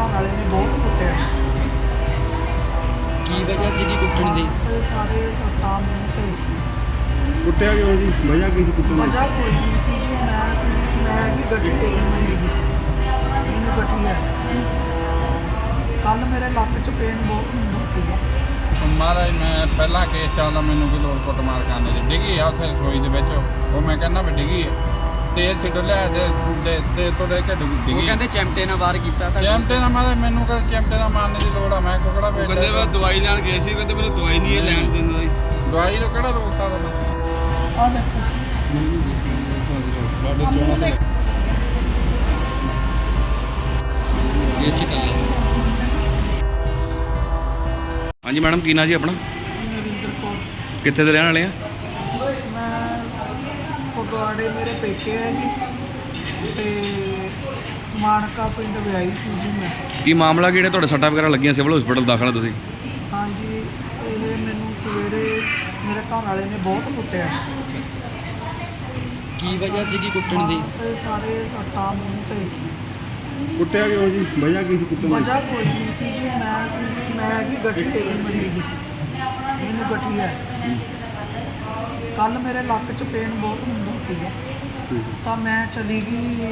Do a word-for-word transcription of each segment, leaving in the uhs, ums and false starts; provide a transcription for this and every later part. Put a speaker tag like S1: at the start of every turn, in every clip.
S1: घर वाले ने बहुत कुटिया।
S2: की वजह सी की कुटन दी?
S1: ते सारे सट्टा मूँह ते
S3: कुटिया क्यों जी? वजह की सी कुटन दी?
S1: वजह कोई नहीं सी जी। मैं मैं भी गड्डी तेरी मरी गई, मैनू गड्डी है। कल मेरे लक च पेन बहुत हुंदा सीगा।
S4: महाराज मैं पहला केस चलदा, मैनू की लोड़ कुटमार करने की डिगी है उत्थे रसोई दे विच। वो मैं कहना भी डिगी है, तेल छिड़ लिया ते ते तो ले के डिगी।
S2: वो कहते चिमटे नाल वार कीता था।
S4: चिमटे ना मारे, मैनू कर चिमटे ना मारने की लोड़ है। मैं कुकड़ा बेच
S3: कहते मैं दवाई लैन गए सी, कहते मेरे दवाई नहीं है लैन दिंदा जी।
S4: दवाई तो केड़ा रोक सकदा मैं?
S1: आ देखो मूँह देख।
S2: ये अच्छी तरह
S5: हाँ जी मैडम, की ना जी अपना?
S1: नरिंदर कौर।
S5: कितने दे रहने वाले हैं?
S1: मैं फगवाड़े मेरे पेके है जी, ते मानका पिंड विआही सी जी मैं।
S5: की मामला कि ਜਿਹੜੇ सट्टा वगैरह लगियां सिविल हॉस्पिटल दाखल ਤੁਸੀਂ?
S1: हाँ जी, ये मैनू सवेरे मेरे घर वाले ने बहुत कुटिया।
S2: की वजह सी की कुटन दी?
S1: ते सारे सट्टा मूँह ते
S3: कुटिया क्यों जी? वजह की सी कुटन दी?
S1: वजह कोई नहीं सी जी। मैं मैं भी गड्डी तेरी मरी गई, मैनू गड्डी है। कल मेरे लक च पेन बहुत हुंदा सीगा, ਤਾਂ मैं चली गई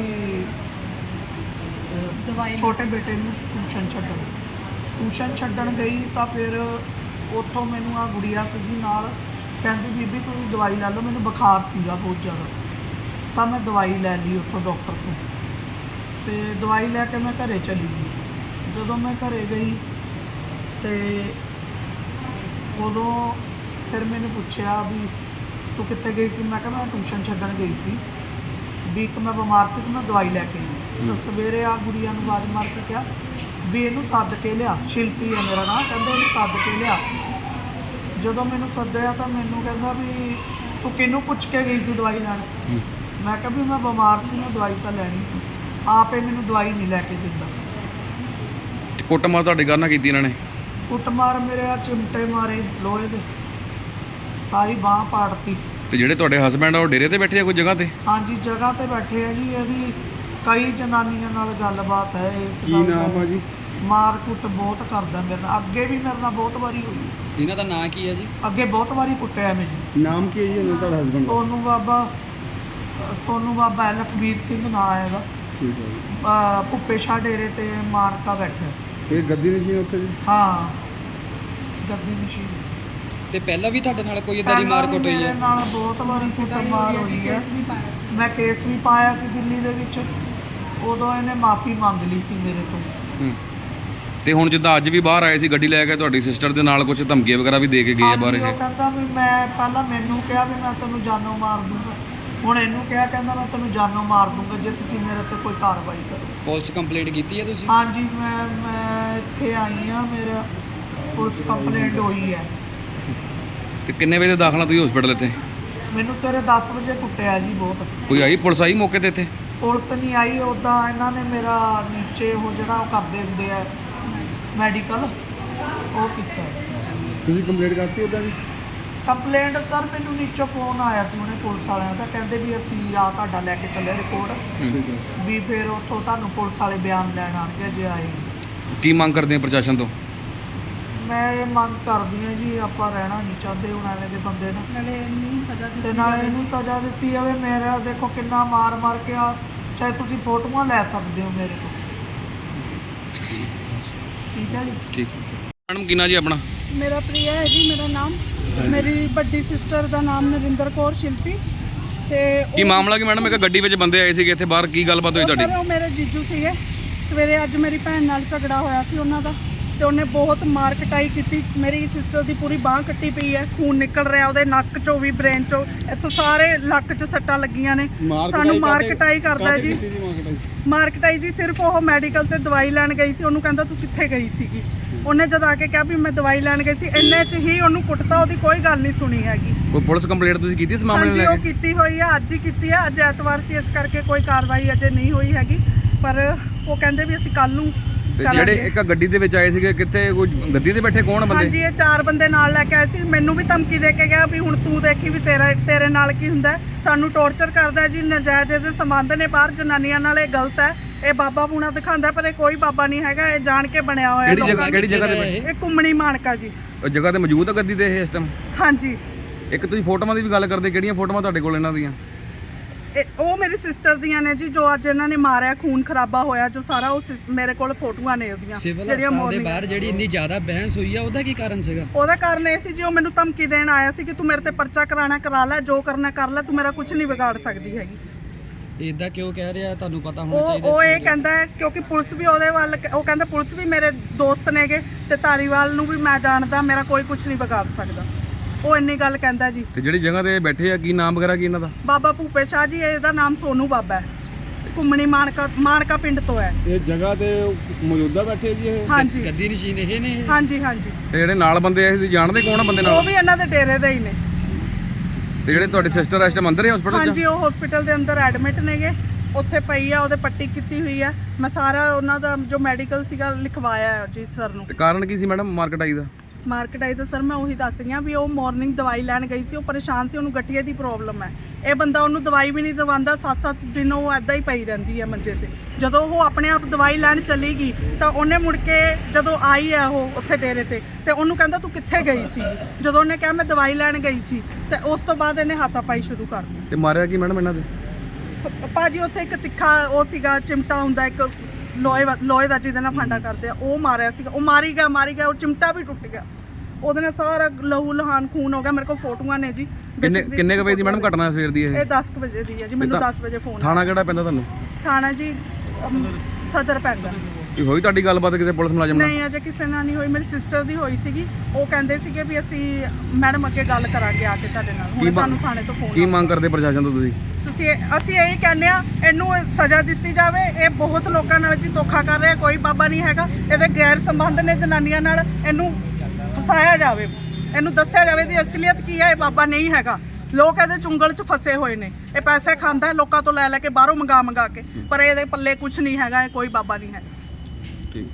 S1: दवाई छोटे बेटे ਨੂੰ ਟਿਊਸ਼ਨ ਛੱਡਣ। ਟਿਊਸ਼ਨ ਛੱਡਣ ਗਈ ਤਾਂ ਫਿਰ ਉੱਥੋਂ ਮੈਨੂੰ ਆ ਗੁੜੀਆ ਸੀਗੀ ਨਾਲ, ਕਹਿੰਦੀ ਬੀਬੀ ਤੁਸੀਂ ਦਵਾਈ ਲੈ ਲਓ, ਮੈਨੂੰ ਬੁਖਾਰ ਸੀਗਾ ਬਹੁਤ ਜ਼ਿਆਦਾ। ਤਾਂ ਮੈਂ ਦਵਾਈ ਲੈ ਲਈ ਉੱਥੋਂ ਡਾਕਟਰ ਤੋਂ, ਤੇ ਦਵਾਈ ਲੈ ਕੇ ਮੈਂ ਘਰੇ ਚਲੀ ਗਈ। ਜਦੋਂ ਮੈਂ ਘਰੇ ਗਈ ਤੇ ਉਦੋਂ ਫਿਰ ਮੈਨੂੰ ਪੁੱਛਿਆ ਵੀ ਤੂੰ ਕਿੱਥੇ ਗਈ ਸੀ? ਮੈਂ ਕਿਹਾ ਮੈਂ ਟਿਊਸ਼ਨ ਛੱਡਣ ਗਈ ਸੀ, ਵੀ ਇੱਕ ਮੈਂ ਬਿਮਾਰ ਸੀ ਤੇ ਮੈਂ ਦਵਾਈ ਲੈ ਕੇ ਆਈ। ਤਾਂ ਸਵੇਰੇ ਆ ਗੁੜੀਆ ਨੂੰ ਆਵਾਜ਼ ਮਾਰ ਕੇ ਕਿਹਾ ਵੀ ਇਹਨੂੰ ਸੱਦ ਕੇ ਲਿਆ, ਸ਼ਿਲਪੀ ਹੈ ਮੇਰਾ ਨਾਂ, ਕਹਿੰਦਾ ਇਹਨੂੰ ਸੱਦ ਕੇ ਲਿਆ। ਜਦੋਂ ਮੈਨੂੰ ਸੱਦਿਆ ਤਾਂ ਮੈਨੂੰ ਕਹਿੰਦਾ ਵੀ ਤੂੰ ਕਿਹਨੂੰ ਪੁੱਛ ਕੇ ਗਈ ਸੀ ਦਵਾਈ ਲੈਣ? ਮੈਂ ਕਿਹਾ ਵੀ ਮੈਂ ਬਿਮਾਰ ਸੀ, ਮੈਂ ਦਵਾਈ ਤਾਂ ਲੈਣੀ ਸੀ, ਆਪੇ ਮੈਨੂੰ ਦਵਾਈ ਨਹੀਂ ਲੈ ਕੇ ਦਿੰਦਾ।
S5: ਕੁੱਟਮਾਰ ਤੁਹਾਡੇ ਘਰ ਨਾਲ ਕੀਤੀ ਇਹਨਾਂ ਨੇ?
S1: ਕੁੱਟਮਾਰ ਮੇਰੇ ਆ ਚਿਮਟੇ ਮਾਰੇ ਲੋਹੇ ਦੇ, ਸਾਰੀ ਬਾਂਹ ਪਾੜਤੀ।
S5: ਤੇ ਜਿਹੜੇ ਤੁਹਾਡੇ ਹਸਬੈਂਡ ਆ ਉਹ ਡੇਰੇ ਤੇ ਬੈਠੇ ਆ ਕੋਈ ਜਗ੍ਹਾ ਤੇ?
S1: ਹਾਂਜੀ ਜਗ੍ਹਾ ਤੇ ਬੈਠੇ ਆ ਜੀ। ਇਹਦੀ ਕਈ ਜਨਾਨੀਆਂ ਨਾਲ ਗੱਲਬਾਤ ਹੈ ਇਸ
S3: ਕੀ
S1: ਗੱਲ
S3: ਨਾਮ
S1: ਦਾ।
S3: ਆ ਜੀ?
S1: ਮਾਰ ਕੁੱਟ ਬਹੁਤ ਕਰਦਾ ਮੇਰੇ ਨਾਲ, ਅੱਗੇ ਵੀ ਮੇਰੇ ਨਾਲ ਬਹੁਤ ਵਾਰੀ ਹੋਈ।
S2: ਇਹਨਾਂ ਦਾ ਨਾਂ ਕੀ ਹੈ ਜੀ?
S1: ਅੱਗੇ ਬਹੁਤ ਵਾਰੀ ਕੁੱਟਿਆ ਮੈਨੂੰ।
S3: ਨਾਮ ਕੀ ਹੈ ਜੀ ਉਹਨਾਂ ਤੁਹਾਡਾ ਹਸਬੈਂਡ ਦਾ?
S1: ਸੋਨੂ ਬਾਬਾ, ਸੋਨੂ ਬਾਬਾ ਹੈ, ਲਖਬੀਰ ਸਿੰਘ ਨਾਂ ਹੈ ਇਹਦਾ।
S3: ਠੀਕ ਹੈ ਜੀ।
S1: ਅਹ ਭੁੱਪੇ ਸ਼ਾਹ ਡੇਰੇ ਤੇ ਮਾਨਕਾ ਬੈਠਾ।
S3: ਇਹ ਗੱਦੀ ਨਸ਼ੀਨ ਉੱਥੇ ਜੀ?
S1: ਹਾਂ ਗੱਦੀ ਮਸ਼ੀਨ।
S2: ਤੇ ਪਹਿਲਾਂ ਵੀ ਤੁਹਾਡੇ ਨਾਲ ਕੋਈ ਇਦਾਂ ਦੀ ਮਾਰ ਕੁੱਟ ਹੋਈ
S1: ਮੇਰੇ
S2: ਹੈ?
S1: ਨਾਲ ਬਹੁਤ ਵਾਰੀ ਕੁੱਟਮਾਰ ਹੋਈ ਹੈ। ਮੈਂ ਕੇਸ ਵੀ ਪਾਇਆ ਸੀ ਦਿੱਲੀ ਦੇ ਵਿੱਚ, ਉਦੋਂ ਇਹਨੇ ਮਾਫੀ ਮੰਗ ਲਈ ਸੀ ਮੇਰੇ ਤੋਂ।
S5: ਹੂੰ। ਤੇ ਹੁਣ ਜਿੱਦਾਂ ਅੱਜ ਵੀ ਬਾਹਰ ਆਏ ਸੀ ਗੱਡੀ ਲੈ ਕੇ, ਤੁਹਾਡੀ ਸਿਸਟਰ ਦੇ ਨਾਲ ਕੁਝ ਧਮਕੀਆਂ ਵਗੈਰਾ ਵੀ ਦੇ ਕੇ ਗਏ ਆ ਬਾਹਰ
S1: ਹਾਂਜੀ,
S5: ਇਹ?
S1: ਉਹ ਕਹਿੰਦਾ ਵੀ ਮੈਂ ਪਹਿਲਾਂ ਮੈਨੂੰ ਕਿਹਾ ਵੀ ਮੈਂ ਤੈਨੂੰ ਜਾਨੋਂ ਮਾਰ ਦੂੰਗਾ, ਹੁਣ ਇਹਨੂੰ ਕਿਹਾ ਕਹਿੰਦਾ ਮੈਂ ਤੈਨੂੰ ਜਾਨੋਂ ਮਾਰ ਦੂੰਗਾ ਜੇ ਤੁਸੀਂ ਮੇਰੇ ਤੇ ਕੋਈ ਕਾਰਵਾਈ ਕਰੋ।
S2: ਪੁਲਿਸ ਕੰਪਲੇਂਟ ਕੀਤੀ ਹੈ ਤੁਸੀਂ?
S1: ਹਾਂਜੀ ਮੈਂ ਮੈਂ ਇੱਥੇ ਆਈ ਹਾਂ, ਮੇਰਾ ਪੁਲਿਸ ਕੰਪਲੇਂਟ ਹੋਈ ਹੈ।
S5: ਤੇ ਕਿੰਨੇ ਵਜੇ ਦਾਖਲਾ ਤੁਸੀਂ ਹਸਪੀਟਲ ਇੱਥੇ?
S1: ਮੈਨੂੰ ਸਵੇਰੇ ਦਸ ਵਜੇ ਕੁੱਟਿਆ ਜੀ ਬਹੁਤ।
S5: ਕੋਈ ਆਈ ਪੁਲਿਸ ਆਈ ਮੌਕੇ ਤੇ ਇੱਥੇ?
S1: ਪੁਲਿਸ ਨਹੀਂ ਆਈ, ਉੱਦਾਂ ਇਹਨਾਂ ਨੇ ਮੇਰਾ ਨੀਚੇ ਉਹ ਜਿਹੜਾ ਉਹ ਕਰਦੇ ਹੁੰਦੇ ਆ ਮੈਡੀਕਲ, ਉਹ ਕੀਤਾ।
S3: ਤੁਸੀਂ ਕੰਪਲੇਂਟ ਕਰਤੀ ਉਹਦਾ ਜੀ?
S1: ਕੰਪਲੇਂਟ ਸਰ ਮੈਨੂੰ ਨੀਚੋਂ ਫੋਨ ਆਇਆ ਸੀ ਉਹਨੇ ਪੁਲਿਸ ਵਾਲਿਆਂ ਦਾ, ਕਹਿੰਦੇ ਵੀ ਅਸੀਂ ਆ ਤੁਹਾਡਾ ਲੈ ਕੇ ਚੱਲੇ ਰਿਪੋਰਟ,
S3: ਠੀਕ ਹੈ।
S1: ਵੀ ਫਿਰ ਉੱਥੋਂ ਤੁਹਾਨੂੰ ਪੁਲਿਸ ਵਾਲੇ ਬਿਆਨ ਲੈਣ ਆਣਗੇ ਜੇ ਆਏ।
S5: ਕੀ ਮੰਗ ਕਰਦੇ ਆ ਪ੍ਰਸ਼ਾਸਨ ਤੋਂ?
S1: ਮੈਂ ਇਹ ਮੰਗ ਕਰਦੀ ਹਾਂ ਜੀ, ਆਪਾਂ ਰਹਿਣਾ ਨਹੀਂ ਚਾਹੁੰਦੇ ਹੁਣ ਐਵੇਂ ਦੇ ਬੰਦੇ ਨਾਲ, ਨਾਲੇ ਇਹਨੂੰ ਸਜ਼ਾ ਦਿੱਤੀ ਤੇ ਨਾਲੇ ਇਹਨੂੰ ਸਜ਼ਾ ਦਿੱਤੀ ਜਾਵੇ। ਮੇਰਾ ਦੇਖੋ ਕਿੰਨਾ ਮਾਰ ਮਾਰ ਕੇ ਆ, ਚਾਹੇ ਤੁਸੀਂ ਫੋਟੋਆਂ ਲੈ ਸਕਦੇ ਹੋ ਮੇਰੇ ਤੋਂ। ਠੀਕ ਹੈ ਜੀ।
S5: ਠੀਕ। ਮੈਡਮ ਕੀ ਨਾ ਜੀ ਆਪਣਾ?
S6: ਮੇਰਾ ਪ੍ਰਿਆ ਹੈ ਜੀ ਮੇਰਾ ਨਾਮ। ਮੇਰੀ ਵੱਡੀ ਸਿਸਟਰ ਦਾ ਨਾਮ ਨਰਿੰਦਰ ਕੌਰ ਸ਼ਿਲਪੀ। ਤੇ
S5: ਕੀ ਮਾਮਲਾ ਕੀ ਮੈਡਮ? ਇੱਕ ਗੱਡੀ ਵਿੱਚ ਬੰਦੇ ਆਏ ਸੀਗੇ ਇੱਥੇ ਬਾਹਰ, ਕੀ ਗੱਲਬਾਤ ਹੋਈ
S6: ਉਹ
S5: ਤੁਹਾਡੀ?
S6: ਸਰ ਉਹ ਮੇਰੇ ਜੀਜੂ ਸੀਗੇ। ਸਵੇਰੇ ਅੱਜ ਮੇਰੀ ਭੈਣ ਨਾਲ ਝਗੜਾ ਹੋਇਆ ਸੀ ਉਹਨਾਂ ਦਾ, ਤੇ ਉਹਨੇ ਬਹੁਤ ਮਾਰ ਕਟਾਈ ਕੀਤੀ। ਮੇਰੀ ਸਿਸਟਰ ਦੀ ਪੂਰੀ ਬਾਂਹ ਕੱਟੀ ਪਈ ਹੈ, ਖੂਨ ਨਿਕਲ ਰਿਹਾ ਉਹਦੇ ਨੱਕ ਚੋਂ ਵੀ, ਬ੍ਰੇਨ ਚੋਂ, ਇੱਥੋਂ ਸਾਰੇ ਲੱਕ 'ਚ ਸੱਟਾਂ ਲੱਗੀਆਂ ਨੇ। ਸਾਨੂੰ ਮਾਰ ਕਟਾਈ ਕਰਦਾ ਜੀ। ਮਾਰ ਕਟਾਈ ਜੀ ਸਿਰਫ ਉਹ ਮੈਡੀਕਲ ਤੇ ਦਵਾਈ ਲੈਣ ਗਈ ਸੀ, ਉਹਨੂੰ ਕਹਿੰਦਾ ਤੂੰ ਕਿੱਥੇ ਗਈ ਸੀਗੀ। ਉਹਨੇ ਜਦ ਆ ਕੇ ਕਿਹਾ ਵੀ ਮੈਂ ਦਵਾਈ ਲੈਣ ਗਈ ਸੀ, ਇੰਨੇ 'ਚ ਹੀ ਉਹਨੂੰ ਕੁੱਟਤਾ, ਉਹਦੀ ਕੋਈ ਗੱਲ ਨਹੀਂ ਸੁਣੀ ਹੈਗੀ।
S5: ਕੋਈ ਪੁਲਿਸ ਕੰਪਲੇਂਟ ਤੁਸੀਂ ਕੀਤੀ ਇਸ ਮਾਮਲੇ ਨੂੰ
S6: ਹਾਂਜੀ
S5: ਲੈ
S6: ਉਹ
S5: ਕੇ?
S6: ਕੀਤੀ ਹੋਈ ਆ, ਅੱਜ ਹੀ ਕੀਤੀ ਆ। ਅੱਜ ਐਤਵਾਰ ਸੀ ਇਸ ਕਰਕੇ ਕੋਈ ਕਾਰਵਾਈ ਅਜੇ ਨਹੀਂ ਹੋਈ ਹੈਗੀ, ਪਰ ਉਹ ਕਹਿੰਦੇ ਵੀ ਅਸੀਂ ਕੱਲ ਨੂੰ
S5: ਤੇ ਜਿਹੜੇ ਇੱਕ ਗੱਡੀ ਦੇ ਵਿੱਚ ਆਏ ਸੀਗੇ, ਕਿੱਥੇ ਕੋਈ ਗੱਡੀ ਤੇ ਬੈਠੇ ਕੌਣ ਬੰਦੇ?
S6: ਹਾਂਜੀ ਇਹ ਚਾਰ ਬੰਦੇ ਨਾਲ ਲੈ ਕੇ ਆਏ ਸੀ। ਮੈਨੂੰ ਵੀ ਧਮਕੀ ਦੇ ਕੇ ਗਿਆ ਵੀ ਹੁਣ ਤੂੰ ਦੇਖੀ ਵੀ ਤੇਰਾ ਤੇਰੇ ਨਾਲ ਕੀ ਹੁੰਦਾ। ਸਾਨੂੰ ਟੌਰਚਰ ਕਰਦਾ ਜੀ, ਨਜਾਇਜ਼ ਦੇ ਸੰਬੰਧ ਨੇ ਬਾਹਰ ਜਨਾਨੀਆਂ ਨਾਲ, ਇਹ ਗਲਤ ਹੈ। ਇਹ ਬਾਬਾ ਪੂਣਾ ਦਿਖਾਉਂਦਾ ਪਰ ਇਹ ਕੋਈ ਬਾਬਾ ਨਹੀਂ ਹੈਗਾ, ਇਹ ਜਾਣ ਕੇ ਬਣਿਆ ਹੋਇਆ
S5: ਕਿਹੜੀ ਜਗ੍ਹਾ
S6: ਲੋਕਾਂ
S5: ਕਿਹੜੀ ਜਗ੍ਹਾ ਤੇ
S2: ਇਹ?
S5: ਬੈਠੇ?
S6: ਇਹ ਕੁੰਮਣੀ ਮਾਨਕਾ ਜੀ।
S5: ਉਹ ਜਗ੍ਹਾ ਤੇ ਮੌਜੂਦ ਆ ਗੱਦੀ ਤੇ ਇਹ ਇਸ ਟਾਈਮ?
S6: ਹਾਂਜੀ।
S5: ਇੱਕ ਤੁਸੀਂ ਫੋਟੋਆਂ ਦੀ ਵੀ ਗੱਲ ਕਰਦੇ, ਕਿਹੜੀਆਂ ਫੋਟੋਆਂ ਤੁਹਾਡੇ ਕੋਲ ਇਹਨਾਂ ਦੀਆਂ?
S6: ਇਹ ਉਹ ਮੇਰੀ ਸਿਸਟਰ ਦੀਆਂ ਨੇ ਜੀ, ਜੋ ਅੱਜ ਇਹਨਾਂ ਨੇ ਮਾਰਿਆ, ਖੂਨ ਖਰਾਬਾ ਹੋਇਆ ਜੋ ਸਾਰਾ, ਉਹ ਸਿਸ- ਮੇਰੇ ਕੋਲ ਫੋਟੋਆਂ ਨੇ ਉਹਦੀਆਂ
S2: ਸਿਵਲ ਹਸਪਤਾਲ ਦੇ
S6: morning-
S2: ਬਾਹਰ ਜਿਹੜੀ ਇੰਨੀ ਜ਼ਿਆਦਾ ਬਹਿਸ ਹੋਈ ਆ ਉਹਦਾ ਕੀ ਕਾਰਨ ਸੀਗਾ?
S6: ਉਹਦਾ ਕਾਰਨ ਇਹ ਸੀ ਜੀ, ਉਹ ਮੈਨੂੰ ਧਮਕੀ ਦੇਣ ਆਇਆ ਸੀ ਕਿ ਤੂੰ ਮੇਰੇ ਤੇ ਪਰਚਾ ਕਰਾਣਾ ਕਰਾ ਲੈ, ਜੋ ਕਰਨਾ ਕਰ ਲੈ, ਤੂੰ ਮੇਰਾ ਕੁਝ ਨਹੀਂ ਵਿਗਾੜ ਸਕਦੀ ਹੈਗੀ।
S2: ਇਦਾਂ ਕਿਉਂ ਕਹਿ ਰਿਹਾ? ਤੁਹਾਨੂੰ ਪਤਾ ਹੋਣਾ
S6: ਉਹ
S2: ਚਾਹੀਦਾ
S6: ਉਹ
S2: ਸੀ
S6: ਇਹ
S2: ਉਦੋਂ।
S6: ਕਹਿੰਦਾ ਹੈ ਕਿਉਂਕਿ ਪੁਲਿਸ ਵੀ ਉਹਦੇ ਵੱਲ, ਉਹ ਕਹਿੰਦਾ ਪੁਲਿਸ ਵੀ ਮੇਰੇ ਦੋਸਤ ਨੇਗੇ ਤੇ ਧਾਰੀਵਾਲ ਨੂੰ ਵੀ ਮੈਂ ਜਾਣਦਾ, ਮੇਰਾ ਕੋਈ ਕੁਝ ਨਹੀਂ ਵਿਗਾੜ ਸਕਦਾ, ਉਹ ਇੰਨੀ ਗੱਲ ਕਹਿੰਦਾ ਜੀ।
S5: ਤੇ ਜਿਹੜੀ ਜਗ੍ਹਾ ਤੇ ਬੈਠੇ ਆ, ਕੀ ਨਾਮ ਵਗੈਰਾ ਕੀ ਇਹਨਾਂ ਦਾ?
S6: ਬਾਬਾ ਭੂਪੇ ਸ਼ਾਹ ਜੀ, ਇਹਦਾ ਨਾਮ ਸੋਨੂ ਬਾਬਾ ਹੈ, ਘੁੰਮਣੀ ਮਾਨਕਾ ਮਾਨਕਾ ਪਿੰਡ ਤੋਂ ਹੈ।
S3: ਇਹ ਜਗ੍ਹਾ ਤੇ ਮੌਜੂਦਾ ਬੈਠੇ ਜੀ ਇਹ?
S6: ਹਾਂਜੀ
S2: ਗੱਦੀ ਨਸ਼ੀਨ ਇਹ ਨੇ ਇਹ?
S6: ਹਾਂਜੀ ਹਾਂਜੀ।
S5: ਤੇ ਜਿਹੜੇ ਨਾਲ ਬੰਦੇ ਆਏ ਸੀ, ਜਾਣਦੇ ਕੌਣ ਆ ਬੰਦੇ
S6: ਉਹ
S5: ਨਾਲ?
S6: ਵੀ ਇਹਨਾਂ ਦੇ ਡੇਰੇ ਦੇ ਹੀ ਨੇ।
S5: ਤੇ ਜਿਹੜੇ ਤੁਹਾਡੇ ਸਿਸਟਰ ਇਸ ਟਾਈਮ ਅੰਦਰ ਹੈ ਹਸਪੀਟਲ 'ਚ?
S6: ਹਾਂਜੀ, ਉਹ ਹਸਪੀਟਲ ਦੇ ਅੰਦਰ ਐਡਮਿਟ ਨੇਗੇ, ਉੱਥੇ ਪਈ ਆ, ਉਹਦੇ ਪੱਟੀ ਕੀਤੀ ਹੋਈ ਆ। ਮੈਂ ਸਾਰਾ ਉਹਨਾਂ ਦਾ ਜੋ ਮੈਡੀਕਲ ਸੀਗਾ ਲਿਖਵਾਇਆ ਹੈ ਜੀ ਸਰ ਨੂੰ।
S5: ਤੇ ਕਾਰਨ ਕੀ ਸੀ ਮੈਡਮ ਮਾਰਕੀਟ ਆਈ ਦਾ?
S6: ਮਾਰਕੀਟ ਆਈ ਤਾਂ ਸਰ ਮੈਂ ਉਹੀ ਦੱਸ ਰਹੀ ਹਾਂ ਵੀ ਉਹ ਮਾਰਨਿੰਗ ਦਵਾਈ ਲੈਣ ਗਈ ਸੀ, ਉਹ ਪਰੇਸ਼ਾਨ ਸੀ, ਉਹਨੂੰ ਗਠੀਏ ਦੀ ਪ੍ਰੋਬਲਮ ਹੈ। ਇਹ ਬੰਦਾ ਉਹਨੂੰ ਦਵਾਈ ਵੀ ਨਹੀਂ ਦਵਾਉਂਦਾ, ਸੱਤ ਸੱਤ ਦਿਨ ਉਹ ਐਦਾਂ ਹੀ ਪਈ ਰਹਿੰਦੀ ਹੈ ਮੰਜੇ ਤੇ। ਜਦੋਂ ਉਹ ਆਪਣੇ ਆਪ ਦਵਾਈ ਲੈਣ ਚਲੀ ਗਈ ਤਾਂ ਉਹਨੇ ਮੁੜ ਕੇ ਜਦੋਂ ਆਈ ਹੈ ਉਹ ਉੱਥੇ ਡੇਰੇ ਤੇ, ਤੇ ਉਹਨੂੰ ਕਹਿੰਦਾ ਤੂੰ ਕਿੱਥੇ ਗਈ ਸੀ? ਜਦੋਂ ਉਹਨੇ ਕਿਹਾ ਮੈਂ ਦਵਾਈ ਲੈਣ ਗਈ ਸੀ, ਤੇ ਉਸ ਤੋਂ ਬਾਅਦ ਇਹਨੇ ਹਾਥਾਪਾਈ ਸ਼ੁਰੂ ਕਰ ਦਿੱਤੀ।
S5: ਤੇ ਮਾਰਿਆ ਕੀ ਮੈਡਮ ਇਹਨਾਂ ਦੇ?
S6: ਭਾਜੀ ਉੱਥੇ ਇੱਕ ਤਿੱਖਾ ਉਹ ਸੀਗਾ, ਚਿਮਟਾ ਹੁੰਦਾ ਇੱਕ ਲੋਹੇ ਵਾ- ਲੋਹੇ ਦਾ ਜਿਹਦੇ ਨਾਲ ਫਾਂਡਾ ਕਰਦੇ ਆ, ਉਹ ਮਾਰਿਆ ਸੀਗਾ। ਉਹ ਮਾਰੀ ਗਿਆ ਮਾਰੀ ਗਿਆ ਉਹ ਚਿਮਟਾ ਵੀ ਟੁੱਟ ਗਿਆ, ਉਹਦੇ ਨਾਲ ਸਾਰਾ ਲਹੂ ਲਹਾਨ ਖੂਨ ਹੋ ਗਿਆ। ਮੇਰੇ ਕੋਲ ਫੋਟੋਆਂ ਨੇ ਜੀ।
S5: ਕਿੰਨੇ ਕਿੰਨੇ ਕੁ ਵਜੇ ਦੀ ਮੈਡਮ ਘਟਨਾ ਸਵੇਰ ਦੀ ਇਹ?
S6: ਇਹ ਦਸ ਕੁ ਵਜੇ ਦੀ ਹੈ ਜੀ, ਮੈਨੂੰ
S5: ਤਾਂ
S6: ਦਸ ਵਜੇ ਫੋਨ
S5: ਥਾਣਾ ਕਿਹੜਾ ਪੈਂਦਾ ਤੁਹਾਨੂੰ?
S6: ਥਾਣਾ ਜੀ ਅਮ, ਸਦਰ ਪੈਂਦਾ।
S5: ਕੀ ਹੋਈ ਤੁਹਾਡੀ ਗੱਲਬਾਤ ਕਿਸੇ ਪੁਲਿਸ ਮੁਲਾਜ਼ਮ ਨਾਲ?
S6: ਨਹੀਂ ਅਜੇ ਕਿਸੇ ਨਾਲ ਨਹੀਂ ਹੋਈ, ਮੇਰੀ ਸਿਸਟਰ ਦੀ ਹੋਈ ਸੀਗੀ। ਉਹ ਕਹਿੰਦੇ ਸੀਗੇ ਵੀ ਅਸੀਂ ਮੈਡਮ ਅੱਗੇ ਗੱਲ ਕਰਾਂਗੇ ਆ ਕੇ ਤੁਹਾਡੇ ਨਾਲ,
S5: ਕੀ
S6: ਹੁਣ
S5: ਮੰਗ-
S6: ਤੁਹਾਨੂੰ ਥਾਣੇ ਤੋਂ ਫੋਨ
S5: ਕੀ ਮੰਗ ਕਰਦੇ ਪ੍ਰਸ਼ਾਸਨ ਤੋਂ ਤੁਸੀਂ?
S6: ਤੁਸੀਂ ਇਹ- ਅਸੀਂ ਇਹੀ ਕਹਿੰਦੇ ਆ, ਇਹਨੂੰ ਸਜ਼ਾ ਦਿੱਤੀ ਜਾਵੇ। ਇਹ ਬਹੁਤ ਲੋਕਾਂ ਨਾਲ ਜੀ ਧੋਖਾ ਕਰ ਰਿਹਾ, ਕੋਈ ਬਾਬਾ ਨਹੀਂ ਹੈਗਾ, ਇਹਦੇ ਗੈਰ ਸੰਬੰਧ ਨੇ ਜਨਾਨੀਆਂ ਨਾਲ, ਇਹਨੂੰ ਫਸਾਇਆ ਜਾਵੇ, ਇਹਨੂੰ ਦੱਸਿਆ ਜਾਵੇ ਦੀ ਅਸਲੀਅਤ ਕੀ ਹੈ। ਇਹ ਬਾਬਾ ਨਹੀਂ ਹੈਗਾ, ਲੋਕ ਇਹਦੇ ਚੁੰਗਲ 'ਚ ਫਸੇ ਹੋਏ ਨੇ। ਇਹ ਪੈਸੇ ਖਾਂਦਾ ਹੈ ਲੋਕਾਂ ਤੋਂ ਲੈ ਲੈ ਕੇ, ਬਾਹਰੋਂ ਮੰਗਾ ਮੰਗਾ ਕੇ, ਪਰ ਇਹਦੇ ਪੱਲੇ ਕੁਝ ਨਹੀਂ ਹੈਗਾ, ਇਹ ਕੋਈ ਬਾਬਾ ਨਹੀਂ ਹੈ।
S5: ਠੀਕ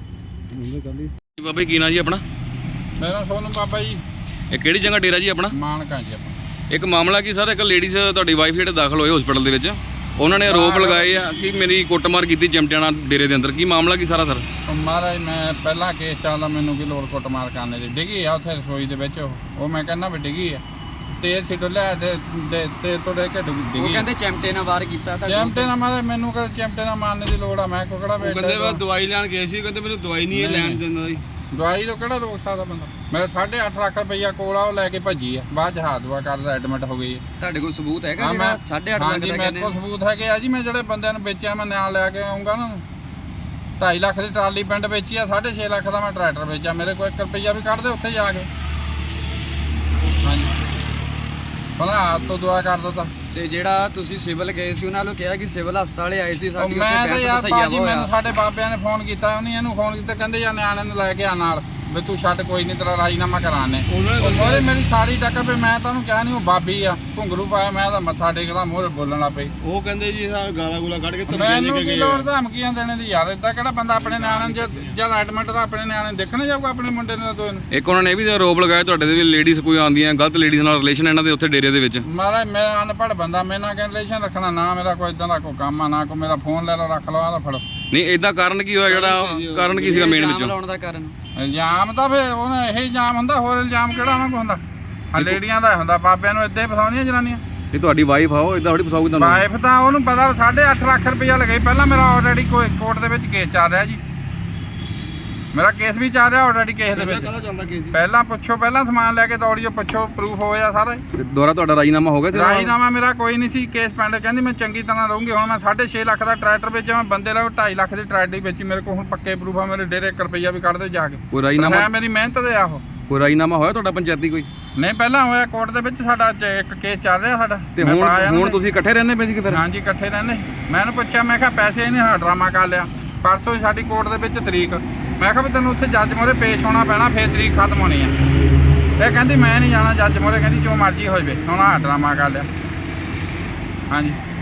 S5: ਬਾਬਾ ਕੀ ਨਾਂ ਜੀ ਆਪਣਾ?
S4: ਮੇਰਾ ਸੋਨੂੰ ਬਾਬਾ ਜੀ,
S5: ਇਹ ਕਿਹੜੀ ਜਗ੍ਹਾ ਡੇਰਾ ਜੀ ਆਪਣਾ?
S4: ਮਾਨਕਾ ਜੀ ਆਪਾਂ।
S5: ਇੱਕ ਮਾਮਲਾ ਕੀ ਸਰ, ਇੱਕ ਲੇਡੀਜ਼ ਤੁਹਾਡੀ ਵਾਈਫ ਜਿਹੜੇ ਦਾਖਲ ਹੋਏ ਹਸਪੀਟਲ ਦੇ ਵਿੱਚ, ਉਹਨਾਂ ਨੇ ਆਰੋਪ ਲਗਾਏ ਆ ਕਿ ਮੇਰੀ ਕੁੱਟਮਾਰ ਕੀਤੀ ਚਿਮਟਿਆਣਾ ਡੇਰੇ ਦੇ ਅੰਦਰ। ਕੀ ਮਾਮਲਾ ਕੀ ਸਾਰਾ ਸਰ?
S4: ਉਹ ਮਹਾਰਾਜ ਮੈਂ ਪਹਿਲਾਂ ਕੇਸ ਚੱਲਦਾ, ਮੈਨੂੰ ਕੀ ਲੋੜ ਕੁੱਟਮਾਰ ਕਰਨੇ ਦੀ। ਡਿੱਗੀ ਆ ਉੱਥੇ ਰਸੋਈ ਦੇ ਵਿੱਚ, ਉਹ ਉਹ ਮੈਂ ਕਹਿੰਦਾ ਵੀ ਡਿੱਗੀ ਆ, ਤੇਲ ਛਿੱਟੋ ਲਿਆ ਤੇ ਤੇ- ਤੇ ਤੋੜੇ ਕੇ
S2: ਉਹ
S4: ਡਿੱਗੀ।
S2: ਕਹਿੰਦੇ ਚਿਮਟੇ ਨਾਲ ਵਾਰ ਕੀਤਾ ਤੁਹਾਡੇ
S4: ਚਿਮਟੇ ਨਾਲ ਮਾਰੇ, ਮੈਨੂੰ ਕਰ ਚਿਮਟੇ ਨਾਲ ਮਾਰਨੇ ਦੀ ਲੋੜ ਆ? ਮੈਂ ਕੋਕੜਾ ਬੈਠਾ।
S3: ਕਹਿੰਦੇ ਵਾ ਦਵਾਈ ਲੈਣ ਗਏ ਸੀ, ਕਹਿੰਦੇ ਮੈਨੂੰ ਦਵਾਈ ਨਹੀਂ ਇਹ ਲੈਣ ਦਿੰਦਾ ਜੀ।
S4: ਦਵਾਈ ਤੋਂ ਕਿਹੜਾ ਰੋਕ ਸਕਦਾ ਬੰਦਾ? ਮੈਂ ਸਾਢੇ ਅੱਠ ਲੱਖ ਰੁਪਈਆ ਕੋਲ ਆ, ਉਹ ਲੈ ਕੇ ਭੱਜੀ ਆ, ਬਾਅਦ ਚ ਹਾਥ ਦੁਆ ਕਰਦਾ ਐਡਮਿਟ ਹੋ ਗਈ ਹੈ।
S2: ਤੁਹਾਡੇ ਕੋਲ ਸਬੂਤ ਹੈਗਾ
S4: ਹਾਂ,
S2: ਜਿਹੜਾ
S4: ਮੈਂ
S2: ਸਾਢੇ ਅੱਠ ਲੱਖ
S4: ਹਾਂਜੀ
S2: ਦਾ
S4: ਮੇਰੇ
S2: ਕਹਿੰਦੇ?
S4: ਕੋਲ ਸਬੂਤ ਹੈਗੇ ਆ ਜੀ। ਮੈਂ ਜਿਹੜੇ ਬੰਦਿਆਂ ਨੂੰ ਵੇਚਿਆ ਮੈਂ ਨਾਲ ਲੈ ਕੇ ਆਉਂਗਾ ਨਾ। ਢਾਈ ਲੱਖ ਦੀ ਟਰਾਲੀ ਪਿੰਡ ਵੇਚੀ ਆ, ਸਾਢੇ ਛੇ ਲੱਖ ਦਾ ਮੈਂ ਟਰੈਕਟਰ ਵੇਚਿਆ। ਮੇਰੇ ਕੋਲ ਇੱਕ ਰੁਪਈਆ ਵੀ ਕੱਢ ਦੇ ਉੱਥੇ ਜਾ ਕੇ। ਹਾਂਜੀ ਭਲਾ ਆਪ ਤੋਂ ਦੁਆ ਕਰ ਦਿੱਤਾ।
S2: ਤੇ ਜਿਹੜਾ ਤੁਸੀਂ ਸਿਵਲ ਗਏ ਸੀ, ਉਹਨਾਂ ਨੂੰ ਕਿਹਾ ਕਿ ਸਿਵਲ ਹਸਪਤਾਲੇ ਆਏ ਸੀ,
S4: ਉਹ
S2: ਸਾਡੀ
S4: ਮੈਂ
S2: ਉੱਥੇ
S4: ਤਾਂ
S2: ਬਹਿਸ
S4: ਯਾਰ
S2: ਸਈਆ
S4: ਭਾਜੀ, ਮੈਨੂੰ
S2: ਹੋਇਆ।
S4: ਸਾਡੇ ਬਾਬਿਆਂ ਨੇ ਫੋਨ ਕੀਤਾ, ਉਹਨੇ ਇਹਨੂੰ ਫੋਨ ਕੀਤਾ, ਕਹਿੰਦੇ ਯਾਰ ਨਿਆਣੇ ਨੂੰ ਲੈ ਕੇ ਆ ਨਾਲ, ਵੀ ਤੂੰ ਛੱਡ, ਕੋਈ ਨਹੀਂ ਤੇਰਾ ਰਾਜੀਨਾਮਾ ਕਰਾਣੇ। ਉਹਨੇ ਮੇਰੀ ਸਾਰੀ ਟੱਕਰ ਵੀ ਮੈਂ ਤੁਹਾਨੂੰ ਕਿਹਾ ਨਹੀਂ ਉਹ ਬਾਬੀ ਆ, ਘੁੰਗਰੂ ਪਾਇਆ, ਮੈਂ ਤਾਂ ਮੱਥਾ ਟੇਕਦਾ, ਮੂਹਰੇ ਬੋਲਣ ਲੱਗ ਪਈ।
S3: ਉਹ ਕਹਿੰਦੇ ਜੀ ਆ ਗਾਲਾਂ ਗੂਲਾ ਕੱਢ ਕੇ ਧਮਕੀਆਂ ਦੇ
S4: ਮੈਨੂੰ
S3: ਕੇ
S4: ਕੀ
S3: ਗਏ
S4: ਲੋੜ
S3: ਆ।
S4: ਧਮਕੀਆਂ ਦੇਣੇ ਦੀ ਯਾਰ? ਏਦਾਂ ਕਿਹੜਾ ਬੰਦਾ ਆਪਣੇ ਨਿਆਣੇ ਨੂੰ ਜਦ ਜਦ ਐਡਮਿਟ ਦਾ ਆਪਣੇ ਨਿਆਣੇ ਨੂੰ ਦੇਖਣ ਜਾਊਗਾ, ਆਪਣੇ ਮੁੰਡੇ ਨੂੰ ਦੋਏ ਨੂੰ?
S5: ਇੱਕ ਉਹਨਾਂ ਨੇ ਇਹ ਵੀ ਆਰੋਪ ਲਗਾਇਆ ਤੁਹਾਡੇ ਦੇ ਵੀ ਲੇਡੀਜ਼ ਕੋਈ ਆਉਂਦੀਆਂ ਗਲਤ ਲੇਡੀਜ਼ ਨਾਲ ਰਿਲੇਸ਼ਨ ਇਹਨਾਂ ਦੇ ਉੱਥੇ ਡੇਰੇ ਦੇ ਵਿੱਚ।
S4: ਮਹਾਰਾਜ ਮੈਂ ਅਨਪੜ੍ਹ ਬੰਦਾ, ਮੇਰੇ ਨਾਲ ਰਿਲੇਸ਼ਨ ਰੱਖਣਾ ਨਾ, ਮੇਰਾ ਕੋਈ ਇਦਾਂ ਦਾ ਕੋਈ ਕੰਮ ਆ ਨਾ, ਕੋਈ ਮੇਰਾ ਫੋਨ ਲੈ ਲਓ ਰੱਖ ਲਓ, ਆਹ ਫੜੋ।
S5: ਨਹੀਂ ਇਦਾਂ ਕਾਰਨ ਕੀ ਹੋਇਆ ਜਿਹੜਾ ਕਾਰਨ ਕੀ ਸੀਗਾ ਮੇਨ
S2: ਇਲਜ਼ਾਮ
S5: ਵਿੱਚੋਂ?
S2: ਲਾਉਣ ਦਾ ਕਾਰਨ
S4: ਇਲਜ਼ਾਮ ਤਾਂ ਫਿਰ ਉਹਨਾਂ ਇਹ ਇਲਜ਼ਾਮ ਹੁੰਦਾ, ਹੋਰ ਇਲਜ਼ਾਮ ਕਿਹੜਾ ਉਹਨਾਂ ਕੋਲ ਹੁੰਦਾ? ਆ ਲੇਡੀਆਂ ਦਾ ਹੁੰਦਾ, ਬਾਬਿਆਂ ਨੂੰ ਇਦਾਂ ਹੀ ਫਸਾਉਂਦੀਆਂ ਜਨਾਨੀਆਂ।
S5: ਇਹ ਤੁਹਾਡੀ ਵਾਈਫ ਆਓ ਇਦਾਂ ਥੋੜੀ ਫਸਾਉਗੀ ਤੁਹਾਨੂੰ?
S4: ਵਾਈਫ ਤਾਂ ਉਹਨੂੰ ਪਤਾ ਸਾਢੇ ਅੱਠ ਲੱਖ ਰੁਪਈਆ ਲਗਾਈ। ਪਹਿਲਾਂ ਮੇਰਾ ਆਲਰੇਡੀ ਕੋਈ ਕੋਰਟ ਦੇ ਵਿੱਚ ਕੇਸ ਚੱਲ ਰਿਹਾ ਜੀ, ਮੇਰਾ ਕੇਸ ਵੀ ਚੱਲ ਰਿਹਾ ਆਲਰੇਡੀ ਕੇਸ ਦੇ ਵਿੱਚ।
S3: ਕਾਹਦਾ ਚੱਲਦਾ ਕੇਸ?
S4: ਪਹਿਲਾਂ ਪੁੱਛੋ, ਪਹਿਲਾਂ ਸਮਾਨ ਲੈ ਕੇ ਦੌੜੀਓ, ਪੁੱਛੋ, ਪ੍ਰੂਫ ਹੋਇਆ ਸਾਰਾ।
S5: ਤੇ ਦੁਬਾਰਾ ਤੁਹਾਡਾ ਰਾਜੀਨਾਮਾ ਹੋ ਗਿਆ ਸੀ?
S4: ਰਾਜੀਨਾਮਾ ਮੇਰਾ ਕੋਈ ਨਹੀਂ ਸੀ, ਕੇਸ ਪੈਂਡ। ਕਹਿੰਦੀ ਮੈਂ ਚੰਗੀ ਤਰ੍ਹਾਂ ਰਹੂੰਗੀ। ਹੁਣ ਮੈਂ ਸਾਢੇ ਛੇ ਲੱਖ ਦਾ ਟਰੈਕਟਰ ਵੇਚਿਆ, ਮੈਂ ਬੰਦੇ ਲਾ ਢਾਈ ਲੱਖ ਦੀ ਟਰੈਕਟਰ ਵੇਚੀ। ਮੇਰੇ ਕੋਲ ਹੁਣ ਪੱਕੇ ਪ੍ਰੂਫ ਆ, ਮੇਰੇ ਡੇਰੇ ਇੱਕ ਰੁਪਈਆ ਵੀ ਕੱਢ ਦੇ ਜਾ ਕੇ।
S5: ਕੋਈ ਰਾਜੀਨਾਮਾ
S4: ਹੈ ਮੇਰੀ ਮਿਹਨਤ ਦੇ ਆ ਉਹ।
S5: ਕੋਈ ਰਾਜੀਨਾਮਾ ਹੋਇਆ ਤੁਹਾਡਾ ਪੰਚਾਇਤੀ ਕੋਈ?
S4: ਨਹੀਂ ਪਹਿਲਾਂ ਹੋਇਆ ਕੋਰਟ ਦੇ ਵਿੱਚ, ਸਾਡਾ ਅੱਜ ਇੱਕ ਕੇਸ ਚੱਲ ਰਿਹਾ ਸਾਡਾ।
S5: ਤੇ
S4: ਮੈਂ
S5: ਹੁਣ
S4: ਪਾਇਆ
S5: ਹੁਣ
S4: ਨਾ-
S5: ਤੁਸੀਂ ਇਕੱਠੇ ਰਹਿੰਦੇ ਪਏ ਸੀ ਕਿ ਫਿਰ?
S4: ਹਾਂਜੀ ਇਕੱਠੇ ਰਹਿੰਦੇ। ਮੈਂ ਇਹਨੂੰ ਪੁੱਛਿਆ, ਮੈਂ ਕਿਹਾ ਪੈਸੇ ਇਹਨੇ ਹਾਂ ਡਰਾਮਾ ਕਰ ਲਿਆ। ਪਰਸੋਂ ਹੀ ਸਾਡੀ ਕੋਰਟ ਦੇ ਵਿੱਚ ਤਰੀਕ, ਮੈਂ ਕਿਹਾ ਵੀ ਤੈਨੂੰ ਉੱਥੇ ਜੱਜ ਮੋਹਰੇ ਪੇਸ਼ ਹੋਣਾ ਪੈਣਾ, ਫੇਰ ਤਰੀਕ ਖਤਮ ਹੋਣੀ ਆ। ਇਹ ਕਹਿੰਦੀ ਮੈਂ ਨਹੀਂ ਜਾਣਾ ਜੱਜ ਮੋਹਰੇ, ਕਹਿੰਦੀ ਜੋ ਮਰਜ਼ੀ ਹੋ ਜਾਵੇ। ਹੁਣ ਆਹ ਡਰਾਮਾ ਕਰ ਲਿਆ। ਹਾਂਜੀ